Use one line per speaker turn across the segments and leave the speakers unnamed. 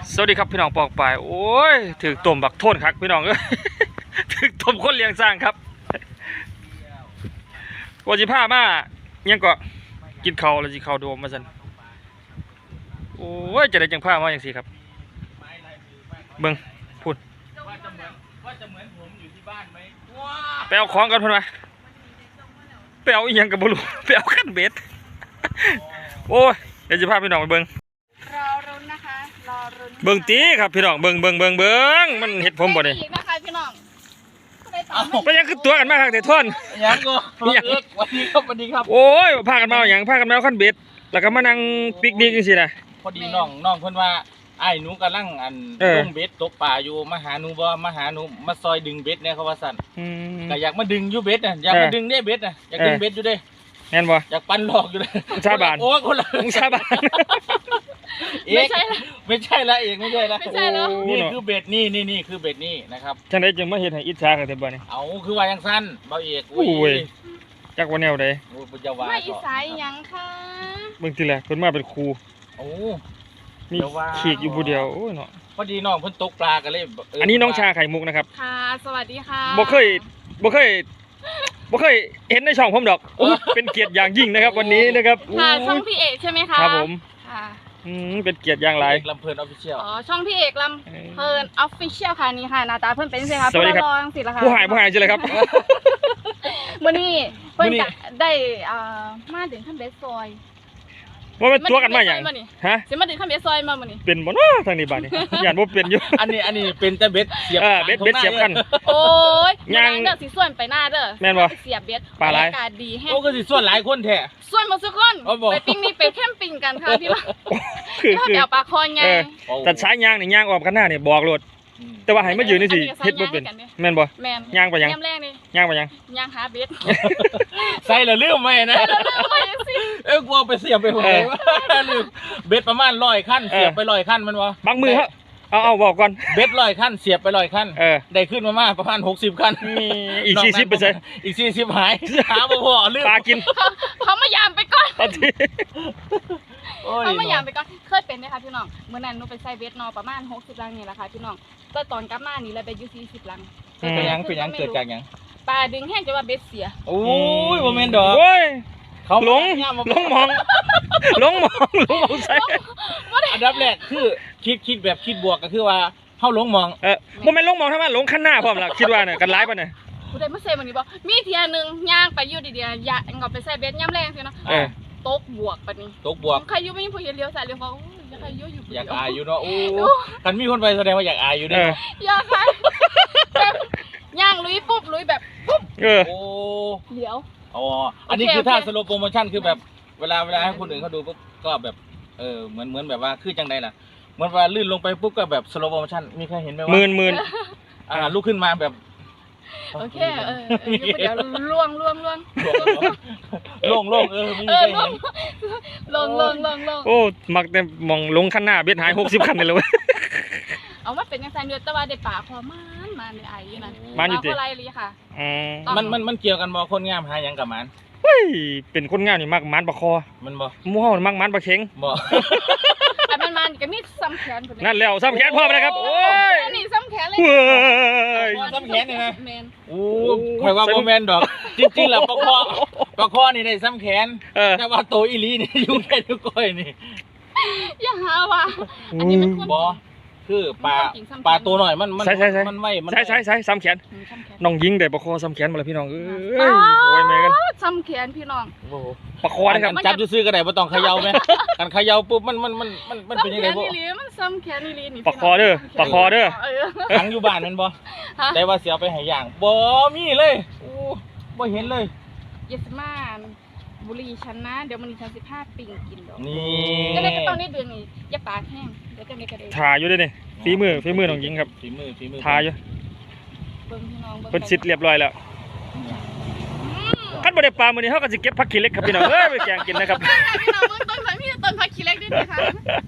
สวัสดีครับพี่น้องปองปายโอ้ยถือต้มบักโทนครับพี่น้องเอ้ยถือต้มคนเลี้ยงสร้างครับว่าจิผ้ามายังก็กินข้าวแล้วจิข้าวโดมมาสันโอ้ยจะได้จังผ้ามาอย่างสิครับเบิ่งพูด
ว่าจะเหมือนผมอยู่ที่บ้านไหม
ไปเอาของกันพุ่นมาไปเอาอีหยังกับบุรุษไปเอาขั้นเบ็ดโอ้ยเดี๋ยวจะพาพี่น้องไปเบิ่ง
รอรุ้นนะคะรอรุ้น
เบิ่งตีครับพี่น้องเบิ่งมันเห็ดผมบ่นี่
อีกนะคะพี่น้อง
ไปยังคือตัวกันมากครับแต่ท่อน
ยังก็ยังวันนี้ครับวันนี้ครับ
โอ้ยพากันมาอย่างพากันมาขั้นเบ็ดแล้วก็มานั่งปิกนิกจังซี่นะ
พอดีน้องเพิ่นว่าไอ้หนูกำลังลงเบ็ดตกปลาอยู่มาหาหนูบ่มาหาหนูมาซอยดึงเบ็ดเนี่ยเขาว่าสั่นก็อยากมาดึงอยู่เบ็ดน่ะอยากมาดึงได้เบ็ดน่ะอยากดึงเบ็ดอยู่เด้
แม่นบ่
อยากปั้นหลอกอยู่เลย
ชาบาน
โอ้คนละ
ชาบาน
ไม่ใช่ละเอกไม่ใช่ละนี่คือเบ็ดนี่คือเบ็ดนี่นะครับ
จังได๋จึงมาเฮ็ดให้อิจฉากันแท้บ่นี่
เอาคือว่าจังซั่นเบาเอก
อุ้ยจักว่าแนวใด
โอ้ปัญญาว่า
ไม่อีสายหยังค่ะ
เบิ่งทีแรกเพิ่นมาเป็นครู
โอ้
มีขีกอยู่ผู้เดียวโอ้ยเนาะ
พอดีน้องเพิ่นตกปลากันเลย
อันนี้น้องชาไข่มุกนะครับ
ค่ะสวัสดีค่ะ
บ่เคยเห็นในช่องผมดอกเป็นเกียรติอย่างยิ่งนะครับวันนี้นะครับ
ค่ะช่องพี่เอกใช่ไหมคะ
ครับผม
ค่ะ
เป็นเกียรติอย่างไร
ลำเพลินออฟฟิเชียล
อ๋อช่องพี่เอกลำเพลินออฟฟิเชียลค่ะนี่ค่ะหน้าตาเพิ่นเป็นสิครับ
สวัสดีครับ
สิละค่ะ
ผู้หายใช่เลยครับ
มื้อนี้เพิ่นได้มาถึงขั้นเบสซอย
ว่าเป็นตัวกันมาอย่างฮะ
สิมาถึงขั้นเบสซอยมามื้อนี้
เป็นบ่เนาะทางนี้บ้านนี้ย่านบ่เป็นอยู่
อันนี้เป็นแต่เบ็ดเสียบ
เบ็ดเสียบคัน
โอ้ยยังเด้อสิส่วนไปหน้าเด้อ
แม่นบ่
เสียบเบ็ด
ปลาไหล
อากาศดีแฮะ
โอ้ก็สิส่วนหลายคนแท้
ส่วนบ่ทุกคนไปปิ้งนี่ไปแคมปิ้งกันค่ะพี่ว่า
คือ
เอาปลาคอไง
แต่สายยางนี่ยางออกกันหน้านี่บอกโลดแต่ว่าให้มายืนนี่สิเฮ็ดบ่เป็นแม่นบ่ย่างไปยังย่างไปยัง
ย่างหาเบ็ด
ใส่แล้วลืมไว้นะกลัวไปเสียบไปหัวลืมเบ็ดประมาณ100คันเสียบไป100คันมันบ่
บางมือฮะเอาบอกก่อน
เบ็ด100คันเสียบไป100คันได้ขึ้นมาประมาณ60คัน
อีก40%
อีก40หายหาบ่พอลืม
ปลากิน
เขามายามไปก่อนเขามายามไปก่อนเคยเป็นนะคะพี่น้องเมื่อนั้นหนูไปใส่เบ็ดนอประมาณ60ลังนี่แหละค่ะพี่น้องก็ตอนกลับมานี่เลยไปอยู่40ลัง
เป็นยังเกิดจากยัง
ปลาดึงแห้งจะว่าเบ็ดเสีย
โอ้ยโมเมนต์ดอก
เขาหลงมองใส่
อันดับแรกคือคิดแบบคิดบวกก็คือว่าเข้าหลงมอง
โมเมนต์หลงมองทำไมหลงขั้นหน้าพร้อมล่ะคิดว่าเนี่ยกันร้ายป่ะเนี่ย
ผู้ใดมาเซ่มันนี่บอกมีเทียนึงย่างไปอยู่ดีๆอย่าเอาไปใส่เบ็ดย่ำแรงสิเนาะตกบวกปะนี่
ตกบวก
ใครอยู่ไม่มีผู้เห็นเลี้ยวซ้ายเลี้ยวขวาอยากใครอยู่
อยากอายอยู่เนาะโอ้คันมีคนไปแสดงว่าอยากอายอยู่เนี่ย
อยากใครแบบย่างลุยปุ๊บลุยแบบปุ๊บ
โอ้
เลี้ยว
อ๋ออันนี้คือถ้าสโลโปรโมชั่นคือแบบเวลาให้คนอื่นเขาดูปุ๊บก็แบบเหมือนแบบว่าคือจังใดล่ะเหมือนว่าลื่นลงไปปุ๊บก็แบบสโลโปรโมชั่นมีใครเห็นไหมว่า
หมื่น
ลุกขึ้นมาแบบ
โอเคเดี๋ยวล่วง
โล่งมีใครเห็น
ล่วง
โอ้มักแต่มองลงขั้นหน้าเบ็ดหาย60คันเลยเว้ย
เอาว่าเป็นยังไงเดือดแต่ว่าได้ป่าพอมันในไอ้นั่น
มันอยู่ที่
อะไรเลยค่ะ
มันเกี่ยวกันบ่คนงามหายังกับมัน
เฮ้ยเป็นคนงามนี่มักมันปลาคอ
มันบ่
มู่เฮามักมันปลาเข็ง
บ่
มันก็มีซ้ำแขน
นั่นแล้วซ้ำแขนพ่อไปนะครับโอ้ย
นี่ซ้ำแขนเลย
ซ้ำแขนนี่นะโอ้ใครว่าโมเมนต์ดอกจริงๆแล้วปลาคอนี่ได้ซ้ำแขนแต่ว่าโตอีหลีนี่อยู่แค่นิ้วก้อยนี่
อย่าหาว่าอันนี้มัน
บ่คือปลาตัวหน่อยมันไว้
ใช่ซ้ำแขนน้องยิงได้ปลาคอซ้ำแขนมาเลยพี่น้องโอ้ยแม่กัน
ซ้ำแขนพี่น้อง
ปลาคอนะครับ
จับซื้อก็ได้บ่ต้องเขย่าไหมกันเขย่าปุ๊บมันเป็นยังไงบ่
มันซ้ำแขนนี่นี่
ปลาคอเด้อ
ขังอยู่บ้านมันบ่ได้ว่าเสียไปให้ย่างบ่มีเลยโอ้บ่เห็นเลย
เยสมาบุรีฉันนะเดี๋ยวมันฉัน15 ปิงกินดอก
นี่
ก็เลยก็ต้องได้เดือนนี้อย่าปากแห้งเดี๋ยวจะไม่กระเด็น
ทาอยู่ด้วยนี่ฝีมือน้องยิงครับ
ฝีมือ
ทาอยู่เป็นสิทธิ์เรียบร้อยแล้วขั้นบริปลามือนี้เขาก็จะเก็บผักขี้เล็กครับพี่น้องไปแกงกินนะครับ
พี่น้องต้นผักขี้เล็กด้วยนะคะ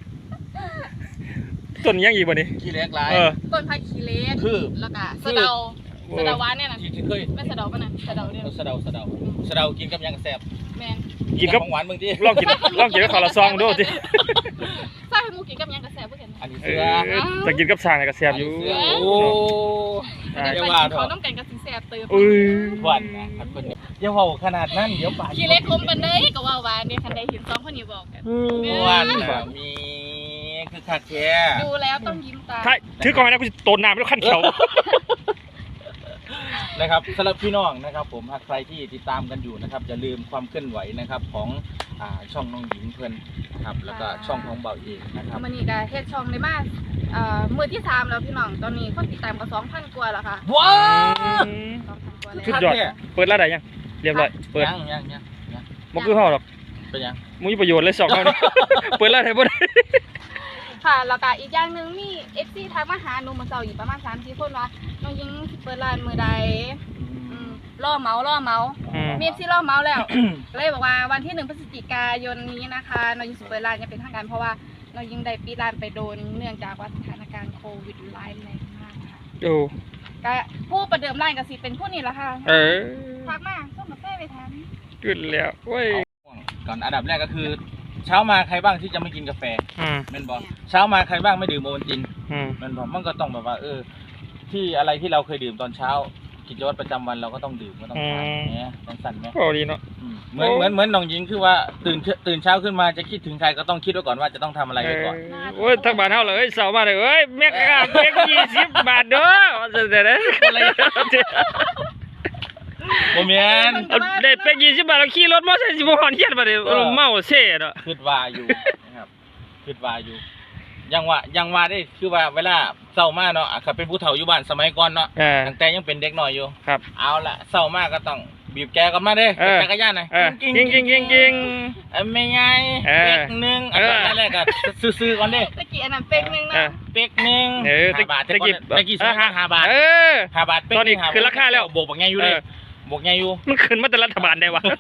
ต้นยังอีกวันนี้
ขี้เล็กไร
ต้นผักขี้เล็ก
คือ
แล้วก็สะเดาหวานเนี่ยนะ
ที่เคย
ไม่สะเดาป่ะนะสะเดาเนี่ย
สะเดากินกับยังแซ่บ
แมน
กินกับ
หวานบางที
ลองกินกับข้าวละซองดูสิ
ใส่ให้มูกินกับหยังกระแสบ่เห็น
อันนี้
เอ
เสือ
อจะกินกับสร้างเนี่ยก็แซ่บอยู่
เสือโอ้
แต่
อย่า
ไป
ว่า
กิน
เถ
เขา
อะ
น้ำกันกับสิแซ่บเติม
อุ้ย
หวานนะครับเพิ่นอย่าเว้าขนาดนั้นเดี๋ยวปาก
ขี้เล็กคมปานใดก็ว่าหวานเนี่ยคันใดเห็น2คนนี้บอกกัน
หวานแบบมีคือคักแท้
ดูแล้วต้องยิ้มตาม
ถ้าถือกล่องนะกูจะโตนน้ำแล้วขั้นเขียว
นะครับสำหรับพี่น้องนะครับผมหากใครที่ติดตามกันอยู่นะครับอย่าลืมความเคลื่อนไหวนะครับของช่องน้องหญิงเพื่อนนะครับแล้วก็ช่องของเบาเอกนะครับ
มื้อนี้ก็เฮ็ดช่องได้มามื้อที่3แล้วพี่น้องตอนนี้คนติดตามก็ 2,000 กว่าแล้วค่ะ
ว้าว
2,000 กว่าแล้ว
ชุดยอดเปิดร้านใดยังเรียบร้อยเปิด
ยัง
บ่คือเฮาหรอก
เป็นยัง
มีประโยชน์เลยสองเฮานี่ เปิดร้านได้บ่ได้
ค่ะแล้วก็อีกอย่างหนึงมี FC ทักมาหาหนูเมื่อเช้าอีกประมาณ 3-4 คนว่าน้องหญิงสิเปิดร้านมื้อใดล่อเมามี FC ล่อเมาแล้ว เลยบอกว่าวันที่1 พฤศจิกายนนี้นะคะน้องหญิงสิเปิดร้านจะเป็นทางการเพราะว่าน้องหญิงได้ปิดร้านไปโดนเนื่องจากว่าสถานการณ์โควิดร้ายแรงมากค่ะ
โอ้
ก็ผู้ประเดิมร้านก็สิเป็นผู้นี่แหละค่ะ
เออ
ทักมาส่งกาแฟไปทาน
ขึ้นแล้วเว้ย
ก่อนอันดับแรกก็คือ เช้ามาใครบ้างที่จะไม่กินกาแฟ
อืม
แม่นบอกเช้ามาใครบ้างไม่ดื่มโอวัลติน
อืม
แม่นบอกมันก็ต้องแบบว่าที่อะไรที่เราเคยดื่มตอนเช้ากิจวัตรประจำวันเราก็ต้องดื่มก็ต้องทานเนี่ยสั่นไหม
พอดีเนาะ
เหมือนน้องหญิงคือว่าตื่นเช้าขึ้นมาจะคิดถึงใครก็ต้องคิดไว้ก่อนว่าจะต้องทำอะไรไว้ก่อน
โอ้ยทั้งบ้านเฮาเลยเสาร์มาเลยเอ้ยแม่กะเก็บ20 บาทเด้อว่าซั่นแต่เด้อ
โมเมน
เอาได้เป็ก20 บาทแล้วขี่รถมอเตอร์ไซค์สิบ่ฮอนเฮียนบ่ได้เมาเซ่เนาะ
คิดว่าอยู่นะครับคิดว่าอยู่ยังว่าได้คือว่าเวลาเศร้ามากเนาะขับเป็นผู้เฒ่าอยู่บ้านสมัยก่อนเนาะ ตั้งแต่ยังเป็นเด็กน้อยอยู่
ครับ
เอาละเศร้ามากก็ต้องบีบแกกันมาเด้จักรยานหน่อย
กิ้ง
ไม่ไงเป็กหนึ่งอันแรกก็ซื้อๆก่อนเด้
ตะกี้อันนั้นเป็กนึงนะ
เป็กหนึ่ง 5 บาทตะกี้ซื้อ5 บาท5 บาทเป็ก
ตอนนี้คือราคาแล้ว
บวกบักไงอยู่เลยบวกไงอยู่
มันขึ้นมาแต่รัฐบาลได้วะ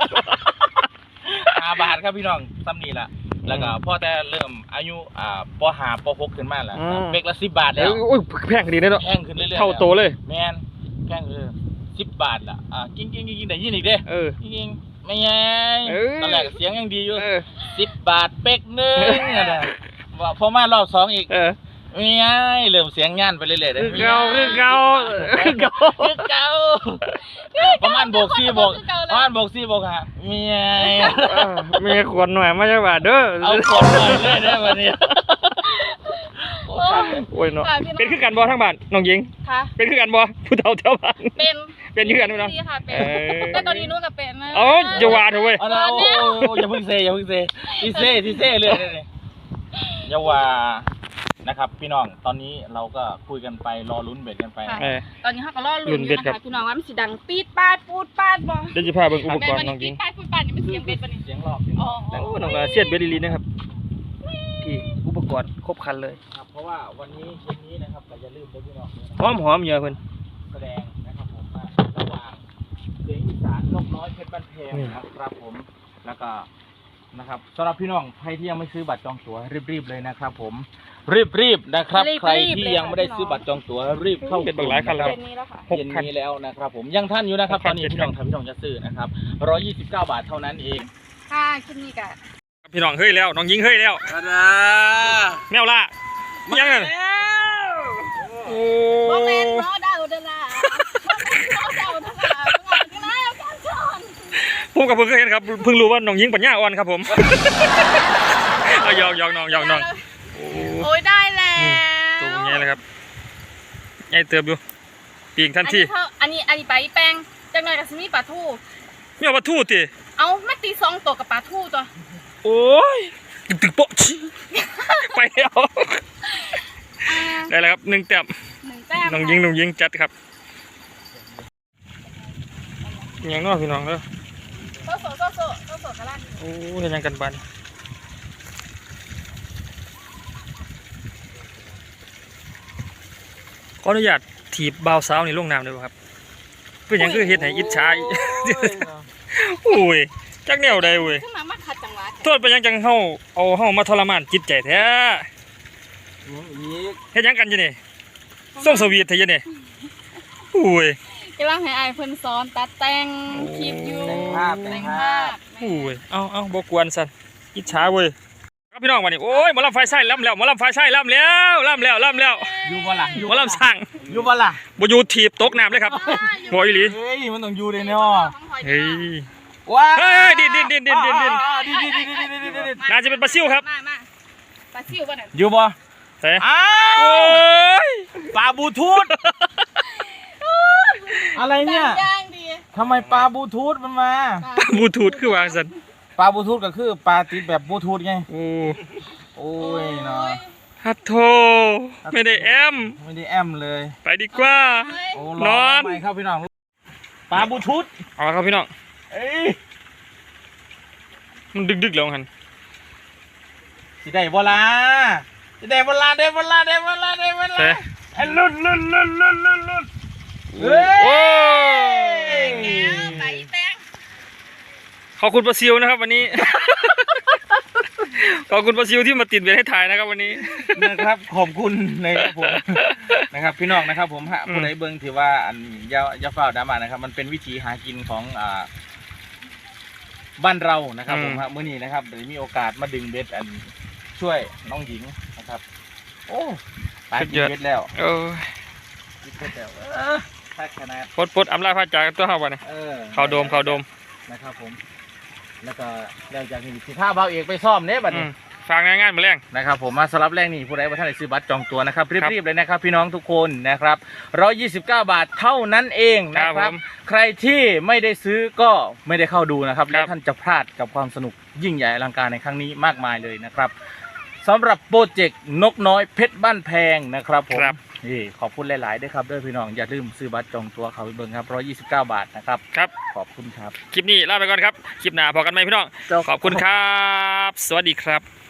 5 บาทครับพี่น้องซ้ำนี่ล่ะแล้วก็พอแต่เริ่มอายุป .5 ป .6 ขึ้นมาแล้วเป็กละ10 บาทแล้ว
โอ้ยแพงดีเนาะ
แพงขึ้นเรื่อยๆ
เท่าโตเลย
แมนแพง10 บาทล่ะกิ้งได้ยินอีกเด้ จริงไม่ไงตอนแรกเสียงยังดีอยู่10 บาทเป็กหนึ่งว่าพอมารอบ2อีกไม่ไงเริ่มเสียงงานไปเรื่อยๆเลย
เก่า
ประมาณโบก4โบกฮะไม่ไง
มีขวดหน่อยมาจากบาทเด้อ
เอาคนหน่อยเลยได้วันนี้
โอ้ยเนาะเป็นคือกันบ่ทั้งบ้านน้องหญิง
ค่ะ
เป็นคือกันบ่ผู้เฒ่าแถวบ้าน
เป็น
คือกันมั้ยเนาะ
ดีค่ะเป็นแต่ตอนนี้นู้นก็เป็นนะ
เอ้าอย่าว่าเถอะเว้ย
โอ้อย่าเพิ่งเซที่เซ่เรื่อยเลยอย่าว่านะครับพี่น้องตอนนี้เราก็คุยกันไปรอลุ้นเบ็ดกันไป
ตอนนี้เขาก็รอลุ้นอยู่นะคะพี่น้องว่ามันสิดังปีดปาดปูดปาดบ่
เดี๋ยวจะพาเบิ่งอุปกรณ์น้องห
ปี
ญิ
ด
ง
ปาดปูดปาดนี่มันเสียงเบ็ดปะนี่
เสียงหลอก
อ๋อ
โอ้น้องเสียดเบ็ดลีนะครับพี่อุปกรณ์ครบครันเลย
ครับเพราะว่าวันนี้เย็นนี้นะครับก็อย่าลืมด้วยพี่น้อง
หอมเยอะเพิ่น
แสดงนะครับผมว่าระหว่างเสียงอีสานนกน้อยเพชรบ้านเพงนะครับผมแล้วก็นะครับสำหรับพี่น้องใครที่ยังไม่ซื้อบัตรจองตั๋วรีบๆเลยนะครับผมรีบนะครับใครที่ยังไม่ได้ซื้อบัตรจองตั๋วรีบเข้า
เป็นบักหลายคันแล้ว
เย็นนี้แล้วค่ะ
เย็นนี้แล้วนะครับผมยังท่านอยู่นะครับตอนนี้พี่น้องจะซื้อนะครับ129 บาทเท่านั้นเอง
ค่ะคลิปนี้ก็
พี่น้องเฮ้ยแล้วน้องหญิงเฮ้ยแล้วแมวล่ะยังไงโอ้
บ่แม่นบ่ดาวเด้อล่ะบ่ดาวเด้อล่ะบ่ดาวกันชน
ผมกับเพิ่งเคยเห็นครับเพิ่งรู้ว่าน้องหญิงปัญญาอ่อนครับผมเอายอกน้อง
โอ้ยได้แล้ว
ตัวใหญ่เลยครับใหญ่เติบอยู่ปีกทันที
อันนี้ปลาอีแป้งจังหน่อยก็สิมีปลาทู
มีเอาปลาทูติ
เอามาตี2ตัวกับปลาทูตัว
โอ้ยตึกโป๊ะไปแล้วได้แล้วครับ1 แต้ม
1 แต้ม
น้องหญิงจัดครับอย่างน้อยพี่น้องเด้อ
โซกะลั่น
โอ้เฮ็ดหยังกันบ้านขออนุญาตถีบบ่าวสาวนี่ลงน้ำได้บ่ครับเป็นหยังคือเฮ็ดให้อิจฉาโอ้ยจักแนวใดเว้ย
ขึ้นมาขัดจังหวะ
โทษไปยังจังเฮามาทรมานจิตใจแท้เฮ็ดหยังกันอยู่นี่ส่งสวีทแท้อยู่นี่โอ้ย
กำลังให้อายเพิ่นสอนตัดแต่งคลิปอยู่แต่งภาพ
โอ้ยเอาบ่กวนซั่นอิจฉาเว้ยพี่น้องวันนี้โอ้ยหมอลำไฟไส้ล่ำแล้วหมอลำไฟไส้ล่ำแล้ว
อยู่บ่ล่ะ
หมอลำสั่ง
อยู่บ่ล่ะ
บ่อยู่ถีบตกน้ำเลยครับหัวอีหลี
เฮ้ยมันต้องอยู่เลยเนาะ
เฮ้ย
ว้า
เฮ้ยดิน
ดิ
น่าจะเป็นปลาซิวครับ
มาปลาซิวบ่นั่น
อยู่บ่
แต่
อ้า
โอ้
วย ปลาบลูทูธอะไรเนี่ย
ย่างดี
ทำไมปลาบลูทูธมันมา
บลูทูธคือว่าสัน
ปลาบลูทูธก็คือปลาติดแบบบลูทูธไง
โอ้
โอ้ยเนาะ
ฮัทโทไม่ได้แอม
ไม่ได้แอมเลย
ไปดีกว่า
โอ้
นอน
ทำไมครับพี่น้องปลาบลูทูธ
เอาละครับพี่น้อง
เอ้ย
มันดึกแล้วหัน
สิได้บ่ล่ะสิได้บ่ล่ะ
แต่
ไอ้ลุ่นเฮ้
โอ้
ย
ไปแป้ง
ขอบคุณปลาซิวนะครับวันนี้ ขอบคุณปลาซิวที่มาติดเบ็ดให้ถ่ายนะครับวันนี้
นะครับขอบคุณนะครับผมนะครับพี่น้องนะครับผมฮะ
อืม
ผู้ใดเบิ่งถือว่าอันอย่าเฝ้าดราม่านะครับมันเป็นวิธีหากินของบ้านเรานะครับผมฮะมื้อนี้นะครับเดี๋ยวมีโอกาสมาดึงเบ็ดอันช่วยน้องหญิงนะครับโอ้ตายกินเบ็ดแล้ว
โอ้ย
กินเบ็ดแล้วถ้าขนาด
ปลดอำลาพระจากตัวเฮาวันนี้ เข้าโดม
นะครับผมแล้วก็แล้วจากนี้สิท่าเบาเอกไปซ่อมเด้บัด
อื
นี้
มฝากงานมาแรง
นะครับผมมาสำหรับแรกนี่ผู้ใดว่าท่านได้ซื้อบัตรจองตัวนะครับรีบๆเลยนะครับพี่น้องทุกคนนะครับ129 บาทเท่านั้นเองนะค
ครั
รั
บบ ผม
ใครที่ไม่ได้ซื้อก็ไม่ได้เข้าดูนะครับ
ครั
และ
บ
ท่านจะพลาดกับความสนุกยิ่งใหญ่อลังการในครั้งนี้มากมายเลยนะครับสำหรับโปรเจกต์นกน้อยเพชรบ้านแพงนะครับผม
ครับ
นี่ขอบคุณหลายๆด้วยครับด้วยพี่น้องอย่าลืมซื้อบัตรจองตัวเขาไปเบิ่งครับ129 บาทนะครับ
ครับ
ขอบคุณครับ
คลิปนี้ลาไปก่อนครับ คลิปหน้าพอกันไหมพี่น้อง ขอบคุณครับ สวัสดีครับ